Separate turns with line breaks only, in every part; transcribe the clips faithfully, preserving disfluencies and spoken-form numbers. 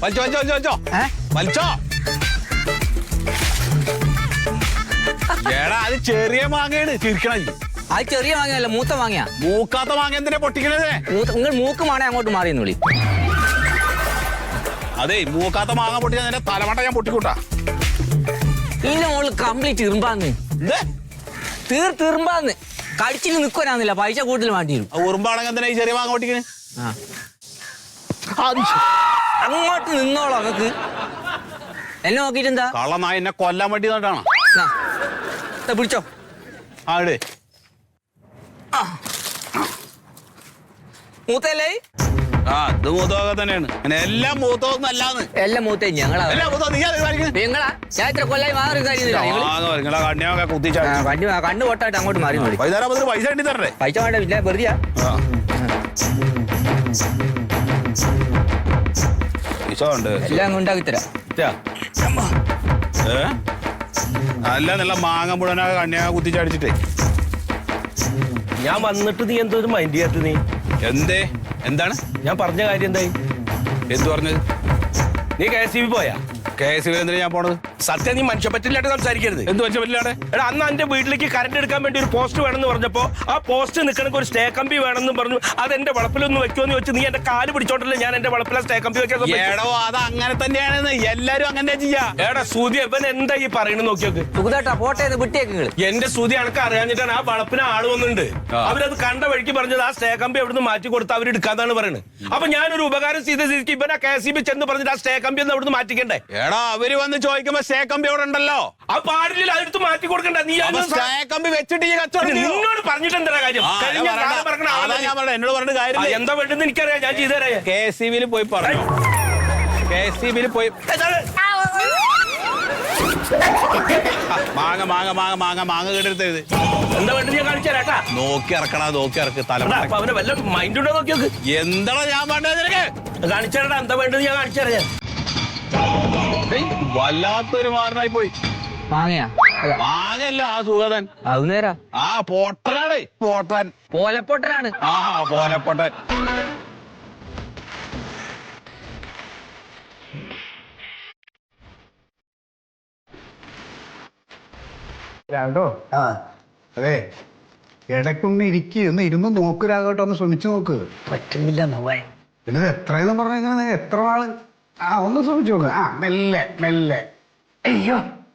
വലിച്ചോ വലിച്ചോ വലിച്ചോ വലിച്ചോ. എടാ അത് ചെറിയ മാങ്ങയാണ്, ചിരിക്കണ.
അത് ചെറിയ മാങ്ങയല്ല, മൂത്ത മാങ്ങയാ.
മൂക്കാത്ത മാങ്ങ എന്തിനാ പൊട്ടിക്കണത്?
നിങ്ങൾ മൂക്ക് മാണേ അങ്ങോട്ട് മാറിയെന്ന് വിളി.
അതെ, മൂക്കാത്ത മാങ്ങ പൊട്ടിച്ചാൽ നിന്റെ തലമട്ട ഞാൻ പൊട്ടിക്കൂട്ടാ.
ഇതിന്റെ മുകളിൽ കംപ്ലീറ്റ് ഇറുമ്പാന്ന്, തീർ തീർമ്പാന്ന് കടിച്ചിട്ട് നിൽക്കാനാന്നില്ല. പൈസ കൂടുതൽ വേണ്ടി വരും.
ഉറുമ്പാണെങ്കിൽ എന്തിനാ ഈ ചെറിയ മാങ്ങ പൊട്ടിക്കണേ?
അങ്ങോട്ട് നിന്നോളൂ. അങ്ങക്ക് എന്നെ നോക്കിട്ട് എന്താ
കള്ളനായ എന്നെ കൊല്ലാൻ വേണ്ടി നോട്ടാണ്.
പിടിച്ചോ.
ആടെ
മൂത്തല്ലേ?
ആ ഇത് മൂത്തൊക്കെ തന്നെയാണ്. എല്ലാം മൂത്തൊന്നും അല്ലാന്ന്.
എല്ലാം മൂത്തേ ഞങ്ങളാ.
നിങ്ങളാ
ഞാൻ ഇത്ര കൊല്ലായി മാറി
കണ്ണിയൊക്കെ കുത്തിച്ചാ
കണ്ണു കണ്ണു പൊട്ടായിട്ട് അങ്ങോട്ട് മാറി മതി.
വൈകുന്നേരം പൈസ കിട്ടി തരണ്ടേ?
പൈസ വേണ്ട, പിന്നെ വെറുതെയാ.
പൈസ ഉണ്ട്,
എല്ലാം ഉണ്ടാക്കി തരാം.
ഏ അല്ല നല്ല മാങ്ങ മുഴുവനൊക്കെ കണ്ണിയൊക്കെ കുത്തിച്ചടിച്ചിട്ടേ.
ഞാൻ വന്നിട്ട് നീ എന്തോ ഒരു മൈൻഡ് ചെയ്യാത്ത? നീ
എന്തേ? എന്താണ്
ഞാൻ പറഞ്ഞ കാര്യം? എന്തായി?
എന്ത് പറഞ്ഞത്?
നീ കെ എസ് ഇ ബി പോയാ?
കെ എസ് ഇ ബി എന്തിനാ ഞാൻ പോണത്?
സത്യം, നീ മനുഷ്യ പറ്റില്ലാണ്ട് സംസാരിക്കരുത്.
എന്ത് മനുഷ്യ പറ്റില്ലാടെ?
എടാ, അന്ന് എന്റെ വീട്ടിലേക്ക് കറണ്ട് എടുക്കാൻ വേണ്ടി ഒരു പോസ്റ്റ് വേണമെന്ന് പറഞ്ഞപ്പോ ആ പോസ്റ്റ് നിൽക്കണമെങ്കിൽ ഒരു സ്റ്റേ കമ്പി വേണമെന്ന് പറഞ്ഞു. അത് എന്റെ വളപ്പിലൊന്ന് വെക്കുമെന്ന് വെച്ച് നീ എന്റെ കാല് പിടിച്ചോണ്ടല്ലേ ഞാൻ എന്റെ വളപ്പിലെ സ്റ്റേ കമ്പി വെക്കാൻ.
എടോ അത് അങ്ങനെ തന്നെയാണെന്ന് എല്ലാരും അങ്ങനെ ചെയ്യാ.
എടാ സൂതി, ഇവൻ എന്താ ഈ പറയുന്നത് നോക്കിയോക്ക്.
സുഖതാട്ടാ പോട്ടെ വിട്ടേക്ക്.
എന്റെ സൂതി അനക്ക് അറിയാഞ്ഞിട്ടാണ്. ആ വളപ്പിന് ആള് വന്നിട്ടുണ്ട്. അവരത് കണ്ട വഴിക്ക് പറഞ്ഞത് ആ സ്റ്റേ കമ്പി അവിടുന്ന് മാറ്റി കൊടുത്ത് അവർ എടുക്കാന്നാണ് പറയുന്നത്. അപ്പൊ ഞാനൊരു ഉപകാരം ചെയ്ത സ്ഥിതിക്ക് ഇവൻ ആ കെ എസ് ഇ ബി ചെന്ന് പറഞ്ഞിട്ട് ആ സ്റ്റേ കമ്പി ഒന്ന് അവിടുന്ന് മാറ്റിക്കണ്ടേ?
എടാ അവര് വന്ന് ചോദിക്കുമ്പോ സ്റ്റേ കമ്പി അവിടെ ഉണ്ടല്ലോ.
ആ പാടില്ല, അതെടുത്ത് മാറ്റി കൊടുക്കണ്ട. നീ
കമ്പി വെച്ചിട്ട്
നിന്നോട് പറഞ്ഞിട്ട് എന്താ കാര്യം?
എന്നോട് പറഞ്ഞ കാര്യം
എന്താ വേണ്ടെന്ന് എനിക്കറിയാം, ഞാൻ ചെയ്തുതരാം.
കെ എസ് ഇ ബിയിൽ പോയി പറഞ്ഞു. കെ എസ് ഇ ബിയിൽ പോയി മാങ്ങ മാങ്ങ മാങ്ങ മാങ്ങ മാങ്ങ കേട്ടെടുത്തത്
എന്താ വേണ്ടത് ഞാൻ കാണിച്ചു തരാട്ടാ.
നോക്കി ഇറക്കണ, നോക്കി ഇറക്ക്. തല
അവന് വല്ല മൈൻഡ് ഉണ്ടോ നോക്കി നോക്ക്.
എന്താണോ ഞാൻ വേണ്ടത് നിനക്ക്?
കാണിച്ചു തരടാ, എന്താ വേണ്ടത് ഞാൻ കാണിച്ചു തരാം.
വല്ലാത്തൊരു മാറിനായി പോയി.
മാങ്ങയാ?
മാങ്ങല്ല, ആ സുഗതൻ.
അത് നേരാ.
ആ പോട്ടനാടേ, പോട്ടൻ.
പോലപ്പൊട്ടനാണ്.
ആ പോലപ്പൊട്ടൻ.
രാഘട്ടോ, ആ അതെ, ഇടയ്ക്കൊന്ന് ഇരിക്കുക, ഒന്ന് ഇരുന്ന് നോക്ക് രാഘട്ടോ, ഒന്ന് ശ്രമിച്ചു നോക്ക്.
പറ്റുന്നില്ല നോവാൻ.
പിന്നെ എത്രയെന്ന് പറഞ്ഞാൽ എത്ര നാള്? ആ ഒന്ന് ശ്രമിച്ചു നോക്ക്. ആ മെല്ലെ മെല്ലെ.
അയ്യോ,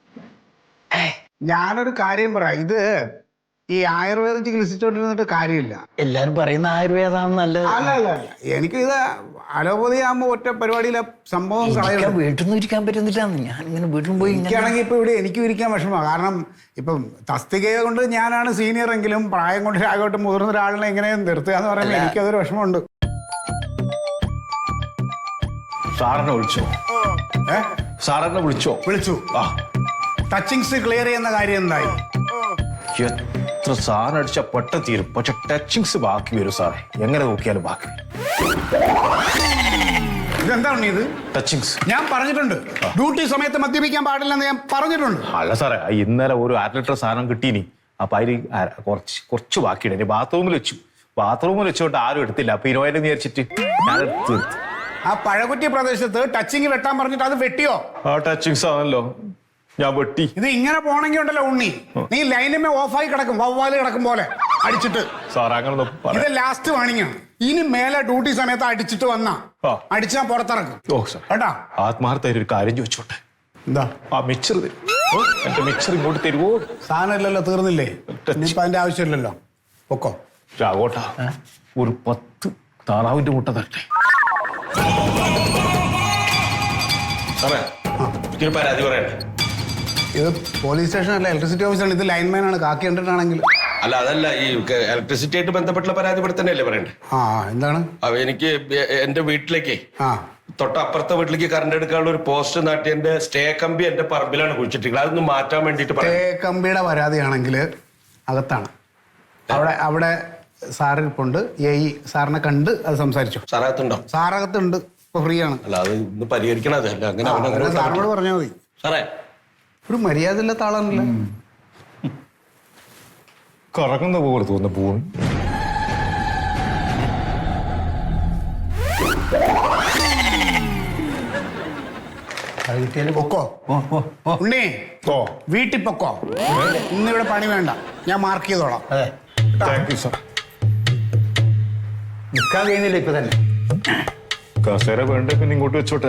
ഞാനൊരു കാര്യം പറയാം. ഇത് ഈ ആയുർവേദം ചികിത്സിച്ചോണ്ടിരുന്നിട്ട് കാര്യമില്ല.
എല്ലാരും പറയുന്ന ആയുർവേദം നല്ലത്.
അല്ല അല്ല അല്ല, എനിക്കിത് അലോപതി ആകുമ്പോ ഒറ്റ പരിപാടിയിലെ സംഭവം കളയണം.
വീട്ടിൽ നിന്ന് ഇരിക്കാൻ പറ്റുന്നില്ല. ഞാൻ ഇങ്ങനെ വീട്ടിൽ പോയി
എനിക്കാണെങ്കിൽ ഇപ്പൊ ഇവിടെ എനിക്കും ഇരിക്കാൻ വിഷമമാണ്. കാരണം ഇപ്പം തസ്തിക കൊണ്ട് ഞാനാണ് സീനിയർ എങ്കിലും പ്രായം കൊണ്ട് രാഘവട്ട് മുതിർന്ന ഒരാളിനെ എങ്ങനെ നിർത്തുക എന്ന് പറയുമ്പോൾ എനിക്കതൊരു വിഷമമുണ്ട്.
സാറിനെ വിളിച്ചോ?
ഏ
സാറിനെ വിളിച്ചോ?
വിളിച്ചു. ആ ടച്ചിങ്സ് ക്ലിയർ ചെയ്യുന്ന കാര്യം എന്തായി?
എത്ര സാറിനടിച്ച പെട്ട തീരും, പക്ഷെ ടച്ചിങ്സ് ബാക്കി വരും സാറേ. എങ്ങനെ നോക്കിയാലും ബാക്കി.
ഇതെന്താണ് ഇത്?
ടച്ചിങ്സ്
ഞാൻ പറഞ്ഞിട്ടുണ്ട്, ഡ്യൂട്ടി സമയത്ത് മദ്യപിക്കാൻ പാടില്ലെന്ന് ഞാൻ പറഞ്ഞിട്ടുണ്ട്.
അല്ല സാറേ, ഇന്നലെ ഒരു അര ലിറ്റർ സാധനം കിട്ടീനി. അപ്പൊ അതിൽ കുറച്ച് കുറച്ച് ബാക്കിയുണ്ട്. ബാത്റൂമിൽ വെച്ചു. ബാത്റൂമിൽ വെച്ചോട്ട് ആരും എടുത്തില്ല. അപ്പൊ ഇരുപതിനെ വിചാരിച്ചിട്ട് ഞാൻ തീർത്തു.
ആ പഴകുറ്റി പ്രദേശത്ത് ടച്ചിങ് വെട്ടാൻ പറഞ്ഞിട്ട് അത് വെട്ടിയോ?
ആ ടച്ചിങ്സ് ആണല്ലോ, ഞാൻ വെട്ടി.
ഇത് ഇങ്ങനെ പോണെങ്കിൽ ഉണ്ടല്ലോ ഉണ്ണി, നീ ലൈനിമേ ഓഫായി കിടക്കും, വവ്വാല് കിടക്കും പോലെ അടിച്ചിട്ട്.
സാർ അങ്ങനെ
ഇത് ലാസ്റ്റ് വാണിംഗ് ആണ്. ഇനി മേലെ ഡ്യൂട്ടി സമയത്ത് അടിച്ചിട്ട് വന്നാ അടിച്ചാ പുറത്തിറക്കും.
ഓ സാർ, കേട്ടാ ആത്മാർത്ഥ ഒരു കാര്യം ചോദിച്ചോട്ടെ.
എന്താ?
ആ മിക്സർ തരും. എന്റെ മിക്സർ ഇങ്ങോട്ട് തരുമോ?
സാധനം ഇല്ലല്ലോ, തീർന്നില്ലേ? ഇനിയിപ്പോ അതിന്റെ ആവശ്യമില്ലല്ലോ. പൊക്കോ
രാഘോട്ടാ, ഒരു പത്ത് താറാവിന്റെ മുട്ട തരട്ടെ. സാറേ, എനിക്കൊരു പരാതി പറയട്ടെ.
ഇത് പോലീസ് സ്റ്റേഷൻ അല്ല, ഇലക്ട്രിസിറ്റി ഓഫീസാണ്. ഇത് ലൈൻമാൻ ആണ്. കാക്കി കണ്ടിട്ടാണെങ്കിൽ
അല്ല, അതല്ല, ഈ ഇലക്ട്രിസിറ്റി ആയിട്ട് ബന്ധപ്പെട്ടുള്ള പരാതി ഇവിടെ തന്നെയല്ലേ പറയണ്ടേ?
ആ എന്താണ്?
എനിക്ക് എന്റെ വീട്ടിലേക്ക്,
ആ
തൊട്ടപ്പുറത്തെ വീട്ടിലേക്ക് കറണ്ട് എടുക്കാനുള്ള ഒരു പോസ്റ്റ് നാട്ടി എന്റെ സ്റ്റേ കമ്പി എന്റെ പറമ്പിലാണ് കുഴിച്ചിട്ടുള്ളത്. അതൊന്ന് മാറ്റാൻ വേണ്ടിട്ട്
സ്റ്റേ കമ്പിയുടെ പരാതിയാണെങ്കിൽ അകത്താണ്. അവിടെ അവിടെ സാറിരിപ്പുണ്ട്. എ ഇ സാറിനെ കണ്ട് അത് സംസാരിച്ചു.
സാറകത്തുണ്ടോ?
സാറകത്തുണ്ട്, ഇപ്പൊ ഫ്രീ ആണ്.
അല്ല, അത് ഇന്ന് പരിഹരിക്കണം. അത് അല്ല, അങ്ങനെ
സാറിനോട് പറഞ്ഞാൽ മതി.
സാറേ,
ഒരു മര്യാദ ഇല്ലാത്ത ആളാണല്ലോ.
കറങ്ങുന്ന പോലെ തോന്നുന്ന പൂണ്.
അത് കിട്ടിയാലും പൊക്കോ ഉണ്ണി
ഓ
വീട്ടിൽ പൊക്കോ ഇന്നിവിടെ പണി വേണ്ട ഞാൻ മാർക്ക് ചെയ്തോളാം.
അതെ
താങ്ക് യു സാർ.
നിൽക്കാൻ കഴിയുന്നില്ല ഇപ്പൊ തന്നെ.
കസേര വേണ്ട പിന്നെ ഇങ്ങോട്ട് വെച്ചോട്ടെ.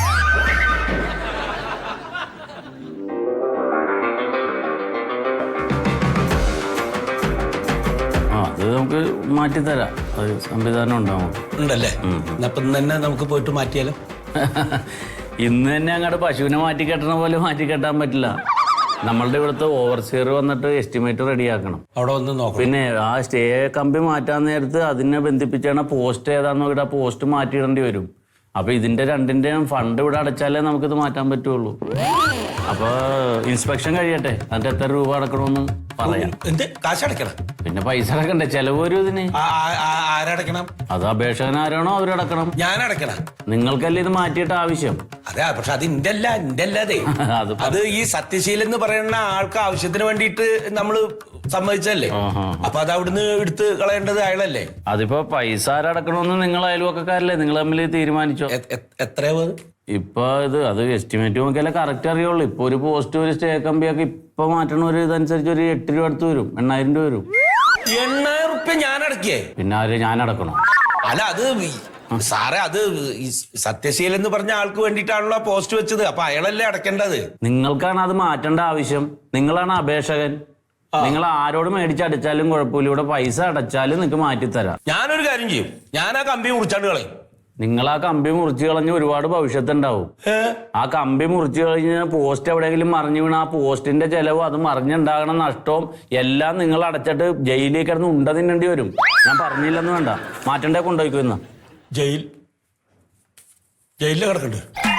ആ അത് നമുക്ക് മാറ്റിത്തരാം. അത് സംവിധാനം ഉണ്ടാവും.
ഉണ്ടല്ലേ അപ്പം തന്നെ നമുക്ക് പോയിട്ട് മാറ്റിയാലോ?
ഇന്ന് തന്നെ അങ്ങോട്ട് പശുവിനെ മാറ്റി കെട്ടണ പോലെ മാറ്റി കെട്ടാൻ പറ്റില്ല. നമ്മളുടെ ഇവിടുത്തെ ഓവർസിയർ വന്നിട്ട് എസ്റ്റിമേറ്റ് റെഡിയാക്കണം.
അവിടെ വന്ന് നോക്കാം.
പിന്നെ ആ സ്റ്റേ കമ്പി മാറ്റാൻ നേരത്ത് അതിനെ ബന്ധിപ്പിച്ചാണ് പോസ്റ്റ് ഏതാന്ന് നോക്കിയിട്ട് ആ പോസ്റ്റ് മാറ്റിയിടേണ്ടി വരും. അപ്പൊ ഇതിന്റെ രണ്ടിന്റെയും ഫണ്ട് ഇവിടെ അടച്ചാലേ നമുക്കിത് മാറ്റാൻ പറ്റുള്ളൂ. അപ്പൊ ഇൻസ്പെക്ഷൻ കഴിയട്ടെ, അതിന്റെ എത്ര രൂപ അടക്കണമെന്ന് പറയാം.
എന്ത് കാശ് അടയ്ക്കണം?
പിന്നെ പൈസ അടക്കണ്ടേ, ചെലവ് വരും ഇതിന്.
ആരടക്കണം?
അത് അപേക്ഷകൻ ആരാണോ അവരടക്കണം.
ഞാൻ അടക്കണം?
നിങ്ങൾക്കല്ലേ ഇത് മാറ്റിയിട്ട് ആവശ്യം.
അതെ, പക്ഷെ അത് ഇന്റെ അല്ല, ഇന്റെ അല്ലാതെ
അത്
അത് ഈ സത്യശീലൻ എന്ന് പറയുന്ന ആൾക്ക് ആവശ്യത്തിന് വേണ്ടിയിട്ട് നമ്മള് സമ്മതിച്ചല്ലേ. അപ്പൊ അത് അവിടുന്ന് എടുത്ത് കളയേണ്ടത് അയാളല്ലേ.
അതിപ്പോ പൈസ ആരടക്കണമെന്ന് നിങ്ങൾ അയൽവക്കക്കാരല്ലേ, നിങ്ങൾ തമ്മിൽ തീരുമാനിച്ചോ.
എത്രയാ
ഇപ്പൊ ഇത് അത് എസ്റ്റിമേറ്റ് നോക്കിയാലേ കറക്റ്റ് അറിയുള്ളൂ. ഇപ്പൊ ഒരു പോസ്റ്റ് ഒരു സ്റ്റേ കമ്പിയൊക്കെ ഇപ്പൊ മാറ്റണ ഒരു ഇതനുസരിച്ച് ഒരു എട്ട് രൂപ അടുത്ത് വരും, എണ്ണായിരം രൂപ വരും.
എണ്ണായിരം റുപ്യ ഞാൻ അടക്കിയേ?
പിന്നെ ആര് ഞാൻ അടക്കണം?
അല്ല അത് സാറേ, അത് സത്യശീലൻ എന്ന് പറഞ്ഞ ആൾക്ക് വേണ്ടിയിട്ടാണല്ലോ പോസ്റ്റ് വെച്ചത്. അപ്പൊ അയാളല്ലേ അടക്കേണ്ടത്.
നിങ്ങൾക്കാണ് അത് മാറ്റേണ്ട ആവശ്യം. നിങ്ങളാണ് അപേക്ഷകൻ. നിങ്ങൾ ആരോട് മേടിച്ചടച്ചാലും കുഴപ്പമില്ല, ഇവിടെ പൈസ അടച്ചാലും നിങ്ങൾക്ക് മാറ്റിത്തരാം.
ഞാനൊരു കാര്യം ചെയ്യും, ഞാൻ ആ കമ്പി മുറിച്ചാണ്ട് കളയും.
നിങ്ങൾ ആ കമ്പി മുറിച്ച് കളഞ്ഞ് ഒരുപാട് ഭവിഷ്യത്തുണ്ടാവും. ആ കമ്പി മുറിച്ച് കഴിഞ്ഞാൽ പോസ്റ്റ് എവിടെയെങ്കിലും മറിഞ്ഞു വീണ ആ പോസ്റ്റിന്റെ ചെലവും അത് മറിഞ്ഞുണ്ടാകണ നഷ്ടവും എല്ലാം നിങ്ങൾ അടച്ചിട്ട് ജയിലിൽ കിടന്ന് ഉണ്ട തിന്നേണ്ടി വരും. ഞാൻ പറഞ്ഞില്ലെന്ന് വേണ്ട, മാറ്റണ്ടേ കൊണ്ടുപോയിക്കുന്ന
ജയിൽ ജയിലിൽ കിടക്കണ്ട്.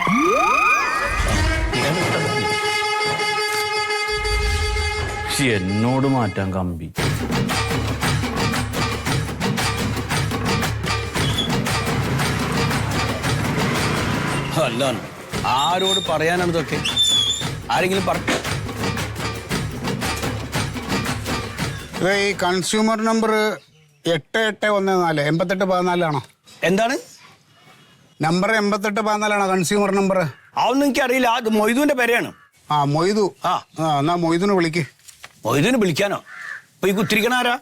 എന്നോട് മാറ്റാൻ കമ്പി.
അല്ല, ആരോട് പറയാനാണ് ഇതൊക്കെ? ആരെങ്കിലും പറഞ്ഞു?
ഇത് ഈ കൺസ്യൂമർ നമ്പർ എട്ട് എട്ട് ഒന്ന് നാല് എൺപത്തെട്ട് പതിനാലാണോ?
എന്താണ്
നമ്പർ എൺപത്തെട്ട് പതിനാലാണോ കൺസ്യൂമർ നമ്പർ?
അതൊന്നും എനിക്ക് അറിയില്ല. അത് മൊയ്തുവിന്റെ പേരെയാണ്.
ആ മൊയ്തു.
ആ
ആ എന്നാ മൊയ്തുനെ വിളിക്ക്.
മൊയ്തുവിനെ വിളിക്കാനോ? അപ്പൊ ഈ കുത്തിരിക്കണ ആരാ?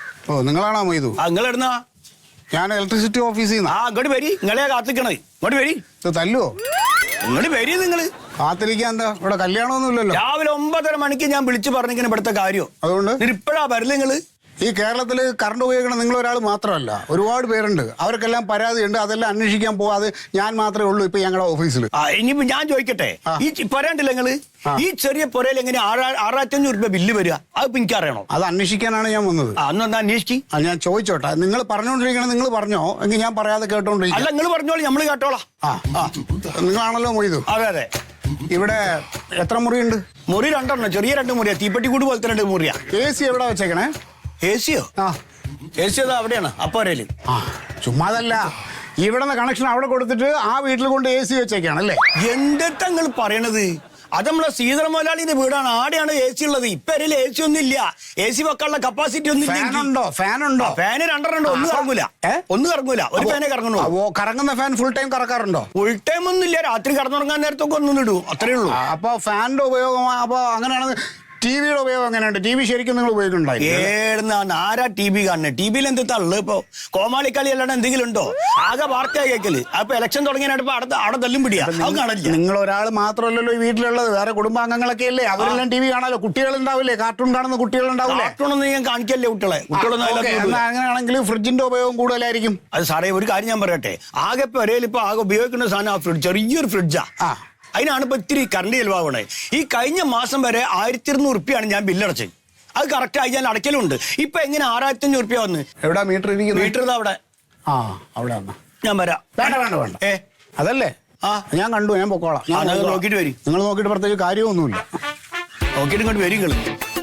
ഓ നിങ്ങളാണോ മൊയ്തു?
ആ നിങ്ങൾ എവിടുന്നാ?
ഞാൻ ഇലക്ട്രിസിറ്റി ഓഫീസിൽ നിന്ന്.
ആ അങ്ങോട്ട് വരി, നിങ്ങളെ കാത്തിക്കണേ. ഇങ്ങോട്ട് വരി.
ഇത് തല്ലുവോ?
ഇങ്ങോട്ട് വരി. നിങ്ങള്
കാത്തിരിക്കാൻ എന്താ ഇവിടെ കല്യാണമൊന്നുമില്ലല്ലോ.
രാവിലെ ഒമ്പതര മണിക്ക് ഞാൻ വിളിച്ചു പറഞ്ഞിങ്ങനെ ഇവിടുത്തെ കാര്യം.
അതുകൊണ്ട്
ഇപ്പോഴാ വരില്ല നിങ്ങള്?
ഈ കേരളത്തിൽ കറണ്ട് ഉപയോഗിക്കണം നിങ്ങൾ ഒരാൾ മാത്രമല്ല, ഒരുപാട് പേരുണ്ട്. അവർക്കെല്ലാം പരാതിയുണ്ട്. അതെല്ലാം അന്വേഷിക്കാൻ പോവാതെ ഞാൻ മാത്രമേ ഉള്ളൂ ഇപ്പൊ ഞങ്ങളുടെ ഓഫീസിൽ.
ആ ഇനിയിപ്പോ ഞാൻ ചോദിക്കട്ടെ, ഈ പറയാണ്ടില്ല നിങ്ങള് ഈ ചെറിയ പുരയിൽ എങ്ങനെ ആറായിരത്തി അഞ്ഞൂറ് രൂപ ബില്ല് വരിക? അതിപ്പോ എനിക്ക് അറിയണോ?
അത് അന്വേഷിക്കാനാണ് ഞാൻ വന്നത്.
അന്നൊന്ന് അന്വേഷിക്കും.
ആ ഞാൻ ചോദിച്ചോട്ടെ, നിങ്ങൾ പറഞ്ഞോണ്ടിരിക്കണം, നിങ്ങൾ പറഞ്ഞോ എങ്കിൽ ഞാൻ പറയാതെ കേട്ടോണ്ടിരിക്കും.
അല്ല നിങ്ങൾ പറഞ്ഞോളൂ, നമ്മള് കേട്ടോളാം.
ആ നിങ്ങളാണല്ലോ മൊയ്തു.
അതെ അതെ.
ഇവിടെ എത്ര മുറിയുണ്ട്?
മുറി രണ്ടെണ്ണം, ചെറിയ രണ്ട് മുറിയാ, തീപ്പെട്ടി കൂട് പോലത്തെ രണ്ട് മുറിയാ.
എ സി എവിടെ വെച്ചേക്കണേ?
എ സിയോ?
ആ
എ സി അതാ അവിടെയാണ് അപ്പോരയില്.
ആ ചുമ്മാതല്ല, ഇവിടുന്ന് കണക്ഷൻ അവിടെ കൊടുത്തിട്ട് ആ വീട്ടിൽ കൊണ്ട് എ സി വെച്ചേക്കാണല്ലേ?
എന്താ നിങ്ങൾ പറയണത്? അത് നമ്മളെ സീതള മുതലാളിന്റെ വീടാണ്, ആടെയാണ് എ സി ഉള്ളത്. ഇപ്പൊ എ സി ഒന്നും ഇല്ല. എ സി വെക്കാനുള്ള കപ്പാസിറ്റി ഒന്നും
ഫാനുണ്ടോ? ഫാനുണ്ടോ?
ഫാന് രണ്ടെണ്ണം. ഒന്ന് കറങ്ങൂല, ഒന്ന് കറങ്ങൂല, ഒരു ഫാനേ കറങ്ങണോ.
കറങ്ങുന്ന ഫാൻ ഫുൾ ടൈം കറക്കാറുണ്ടോ?
ഫുൾ ടൈം ഒന്നും ഇല്ല, രാത്രി കടന്നുറങ്ങാൻ നേരത്തൊക്കെ ഒന്നും ഇടൂ, അത്രേ ഉള്ളൂ.
അപ്പൊ ഫാനിന്റെ ഉപയോഗം അപ്പൊ അങ്ങനെയാണ്. ടി വിയുടെ ഉപയോഗം എങ്ങനെയുണ്ട്? ടി വി ശരിക്കും നിങ്ങൾ ഉപയോഗിക്കുന്നുണ്ടായി?
ഏടുന്നാണ് ആരാ ടി വി കാണുന്നത്? ടി വിയിൽ എന്ത് തള്ളു? ഇപ്പൊ കോമാളിക്കളി അല്ലാണ്ട് എന്തെങ്കിലും ഉണ്ടോ? ആകെ വാർത്ത കേൾക്കല്. അപ്പൊ ഇലക്ഷൻ തുടങ്ങിയപ്പോ അവിടെ അവിടെ തല്ലും പിടിയാ. അത് കാണില്ല.
നിങ്ങൾ ഒരാൾ മാത്രമല്ലല്ലോ ഈ വീട്ടിലുള്ളത്, വേറെ കുടുംബാംഗങ്ങളൊക്കെ അല്ലേ? അവരെല്ലാം ടി വി കാണാലോ. കുട്ടികളുണ്ടാവില്ലേ? കാർട്ടൂൺ കാണുന്ന കുട്ടികളുണ്ടാവില്ലേ?
കാർട്ടൂണൊന്നും ഞാൻ കാണിക്കല്ലേ കുട്ടികളെ. കുട്ടികളൊന്നും
അങ്ങനെയാണെങ്കിൽ ഫ്രിഡ്ജിന്റെ ഉപയോഗം കൂടുതലായിരിക്കും.
അത് സാറേ ഒരു കാര്യം ഞാൻ പറയട്ടെ, ആകെ ഇപ്പൊ ഒരേ ഇപ്പൊ ആകെ ഉപയോഗിക്കുന്ന സാധനം ആ ഫ്രിഡ്ജ്, ചെറിയൊരു ഫ്രിഡ്ജാ. അതിനാണ് ഇപ്പൊ ഇത്തിരി കറണ്ട് ചെലവാകണേ. ഈ കഴിഞ്ഞ മാസം വരെ ആയിരത്തി ഇരുന്നൂറ് റുപ്യാണ് ഞാൻ ബില്ലടച്ചത്. അത് കറക്റ്റ് ആയി ഞാൻ അടയ്ക്കലുണ്ട്. ഇപ്പൊ എങ്ങനെ ആറായിരത്തി അഞ്ഞൂറ് റുപ്യ വന്ന്?
എവിടെ മീറ്റർ ഇരിക്കുന്നത്?
മീറ്റർ അവിടെ.
ആ അവിടെ
ഞാൻ വരാം.
വേണ്ട വേണ്ട വേണ്ട.
ഏ
അതല്ലേ?
ആ
ഞാൻ കണ്ടു, ഞാൻ പൊക്കോളാം.
നോക്കിട്ട് വരും.
നിങ്ങൾ നോക്കിയിട്ട് പ്രത്യേകിച്ച് കാര്യമൊന്നുമില്ല.
നോക്കിയിട്ട് ഇങ്ങോട്ട് വരും. നിങ്ങള്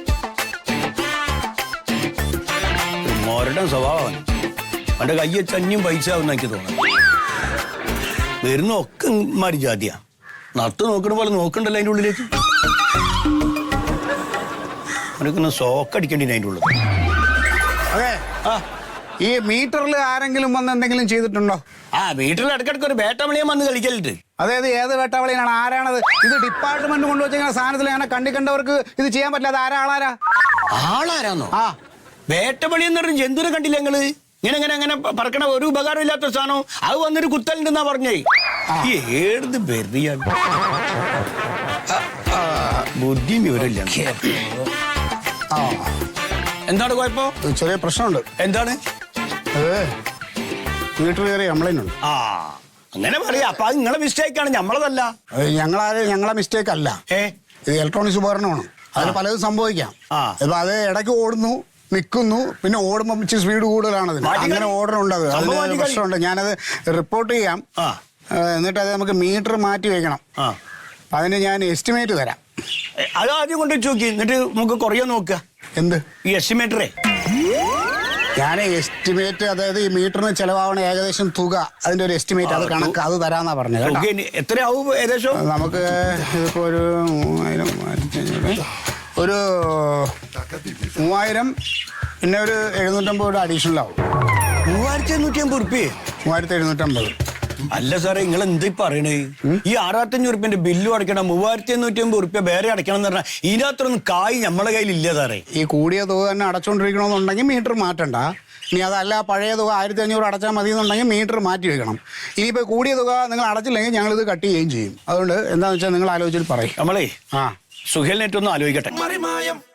മോരുടെ സ്വഭാവമാണ്. അവന്റെ കയ്യെ ചഞ്ഞും പൈസ ആവുന്ന എനിക്ക് തോന്നുന്നു. വരുന്ന ഒക്കെ മാറി ജാതിയാ. നട്ട് നോക്കണ പോലെ നോക്കണ്ടല്ലോ അതിന്റെ ഉള്ളിലേക്ക്. അവനൊക്കെ സോക്കടിക്കേണ്ടി അതിന്റെ ഉള്ളിൽ.
അതെ.
ആ
ഈ മീറ്ററിൽ ആരെങ്കിലും വന്ന് എന്തെങ്കിലും ചെയ്തിട്ടുണ്ടോ?
ആ വീട്ടിൽ ഇടയ്ക്കിടയ്ക്ക് ഒരു ബേട്ടമണിയും വന്ന് കളിക്കലുണ്ട്.
അതായത് ഏത് വേട്ടവളിയാണ്? ആരാണത്? ഇത് ഡിപ്പാർട്ട്മെന്റ് കൊണ്ടുവച്ച സാധനത്തിൽ അങ്ങനെ കണ്ടി കണ്ടവർക്ക് ഇത് ചെയ്യാൻ പറ്റില്ല. ആരാ ആളാരാ?
ആളാരാന്നോ?
ആ
വേട്ടപ്പള്ളി എന്ന് പറഞ്ഞ ജന്തുവിനെ കണ്ടില്ല നിങ്ങള്? ഇങ്ങനെ ഇങ്ങനെ അങ്ങനെ പറക്കണ ഒരു ഉപകാരം ഇല്ലാത്ത സാധനം അത് വന്നൊരു കുത്തലുണ്ടെന്നാ പറഞ്ഞേ. ഈ ഏത് വെറിയാണ് ബുദ്ധിയും വിവരമില്ല.
ആ
എന്താണ് കുഴപ്പം?
ഒരു ചെറിയ പ്രശ്നമുണ്ട്.
എന്താണ്?
ഏ വീട്ടിൽ കയറി കംപ്ലൈന്റ് ഉണ്ട്.
ആ അങ്ങനെ പറയാ. അപ്പൊ അത് നിങ്ങളെ മിസ്റ്റേക്ക് ആണ്, ഞമ്മളതല്ല.
ഞങ്ങളാര് ഞങ്ങളെ മിസ്റ്റേക്ക് അല്ല.
ഏ
ഇത് ഇലക്ട്രോണിക്സ് ഉപകരണമാണ്. അതിന് പലതും സംഭവിക്കാം.
ആ.
ഇപ്പൊ അത് ഇടയ്ക്ക് ഓടുന്നു, നിൽക്കുന്നു, പിന്നെ ഓടുമ്പോൾ ഇച്ചിരി സ്പീഡ് കൂടുതലാണ് അതിന്.
മാറ്റി
അങ്ങനെ
കളി.
ഓർഡർ ഉണ്ട്. അത്
സംഭവം മാറ്റി
അതിന്
കളി.
പ്രശ്നമുണ്ട്. ഞാനത് റിപ്പോർട്ട് ചെയ്യാം.
ആ.
ഏ, എന്നിട്ട് അത് നമുക്ക് മീറ്റർ മാറ്റി വെക്കണം.
ആ
അപ്പൊ അതിന് ഞാൻ എസ്റ്റിമേറ്റ് തരാം.
ഏ, അത് ആദ്യം കൊണ്ട് നോക്കി, എന്നിട്ട് നമുക്ക് കുറയോ നോക്കുക.
എന്ത്
ഈ എസ്റ്റിമേറ്ററേ
ഞാൻ എസ്റ്റിമേറ്റ്, അതായത് ഈ മീറ്ററിന് ചെലവാവണ ഏകദേശം തുക, അതിന്റെ ഒരു എസ്റ്റിമേറ്റ്, അത് കണക്ക് അത് തരാന്നാ പറഞ്ഞത് കേട്ടോ.
ഓക്കെ, എത്രയാവും ഏകദേശം?
നമുക്ക് ഇതിപ്പോ ഒരു മൂവായിരം മൂവായിരത്തി അഞ്ഞൂറ് ഒരു മൂവായിരം പിന്നെ ഒരു എഴുന്നൂറ്റമ്പത് രൂപ അഡീഷണൽ ആവും.
മൂവായിരത്തി എണ്ണൂറ്റി അമ്പത് ഉറുപ്പ്യേ?
മൂവായിരത്തി എഴുന്നൂറ്റമ്പത്.
അല്ല സാറേ, നിങ്ങൾ എന്താ പറയണേ? ഈ ആറായിരത്തഞ്ഞൂറ് ഉറുപ്പ്യന്റെ ബില്ലും അടയ്ക്കണം, മൂവായിരത്തി എണ്ണൂറ്റി അമ്പത് ഉറുപ്പ്യ വേറെ അടയ്ക്കണം എന്ന് പറഞ്ഞാൽ ഇതിനകത്തൊന്നും കായ് നമ്മളെ കയ്യിൽ ഇല്ല സാറേ.
ഈ കൂടിയ തുക തന്നെ അടച്ചുകൊണ്ടിരിക്കണമെന്നുണ്ടെങ്കിൽ മീറ്റർ മാറ്റണ്ട. ഇനി അതല്ല പഴയ തുക ആയിരത്തി അഞ്ഞൂറ് അടച്ചാൽ മതി എന്നുണ്ടെങ്കിൽ മീറ്റർ മാറ്റി വെക്കണം. ഇനിയിപ്പോൾ കൂടിയ തുക നിങ്ങൾ അടച്ചില്ലെങ്കിൽ ഞങ്ങളിത് കട്ട് ചെയ്യുകയും ചെയ്യും. അതുകൊണ്ട് എന്താണെന്ന് വെച്ചാൽ നിങ്ങൾ ആലോചിച്ചിട്ട് പറയും.
നമ്മളേ
ആ
സുഹേലിനേറ്റൊന്നും ആലോചിക്കട്ടെ.